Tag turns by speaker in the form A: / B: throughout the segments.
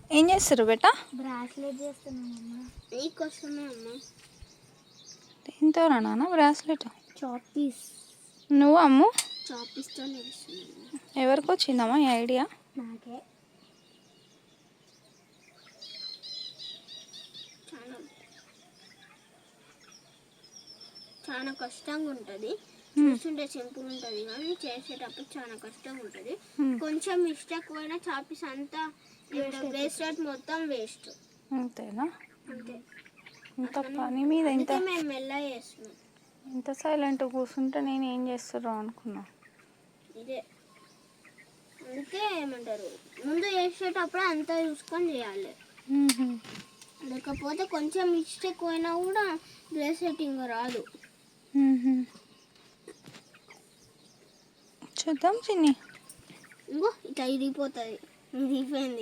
A: ఏం చేస్తారు బేటా?
B: బ్రాస్లెట్ చేస్తున్నామమ్మా. నీకోసమే అమ్మా.
A: దేంతో నాన్న బ్రాస్లెట్?
B: చాపీస్.
A: నువ్వు అమ్ము
B: చాపీస్తో చేస్తున్నాను.
A: ఎవరికి వచ్చిందమ్మా ఈ ఐడియా?
B: నాకే. చాలా కష్టంగా ఉంటుంది. చూస్తుంటే సింపుల్ ఉంటుంది కానీ చేసేటప్పుడు చాలా కష్టంగా ఉంటుంది. కొంచెం మిస్టేక్ పోయినా చాపీస్ అంతా బ్రేస్లెట్ మొత్తం వేస్ట్.
A: అంతేనా?
B: అంతే.
A: ఇంత పని మీద ఇంత
B: మేము మెల్లగా చేస్తున్నాం.
A: ఇంత సైలెంట్ కూర్చుంటే నేను ఏం చేస్తారో అనుకున్నా.
B: ఇదే అందుకే ఏమంటారు, ముందు చేసేటప్పుడు అంతా చూసుకొని చేయాలి. లేకపోతే కొంచెం మిస్టేక్ పోయినా కూడా బ్రేస్లెట్ ఇంకా రాదు.
A: చూద్దాం చిన్ని.
B: ఇంకో ఇట్లా ఇరిగిపోతుంది. ఇరిగిపోయింది.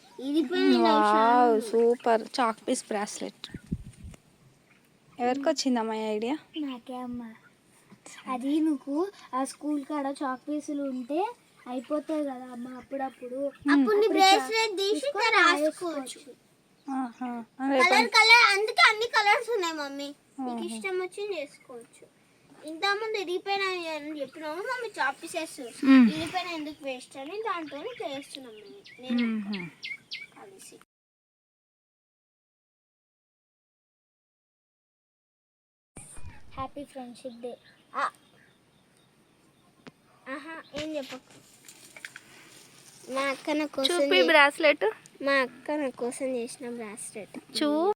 A: Super chalk piece bracelet. ఎవరికి వచ్చిందమ్మా ఈ ఐడియా?
B: నాకే అమ్మా. అది నువ్వు ఆ స్కూల్ కాడ చాక్ పీసులు ఉంటే అయిపోతాయి కదా అమ్మ, అప్పుడప్పుడు బ్రేస్లెట్ తీసి రాసుకోవచ్చు. కలర్ కలర్, అందుకే అన్ని కలర్స్ ఉన్నాయి మమ్మీ. నీకు ఇష్టం వచ్చి చేసుకోవచ్చు. ఇంతకుముందు ఇరిగిపోయినా అని చెప్పినాము మమ్మీ, చాక్ పీసెస్ ఇరిగిపోయినా ఎందుకు వేస్ట్ అని దాంతో చేస్తున్నాం నేను కలిసి. Happy friendship day. ఏం చెప్పకు. మా అక్క నా కోసం
A: బ్రాస్లెట్
B: మా అక్క నా కోసం చేసిన బ్రాస్లెట్.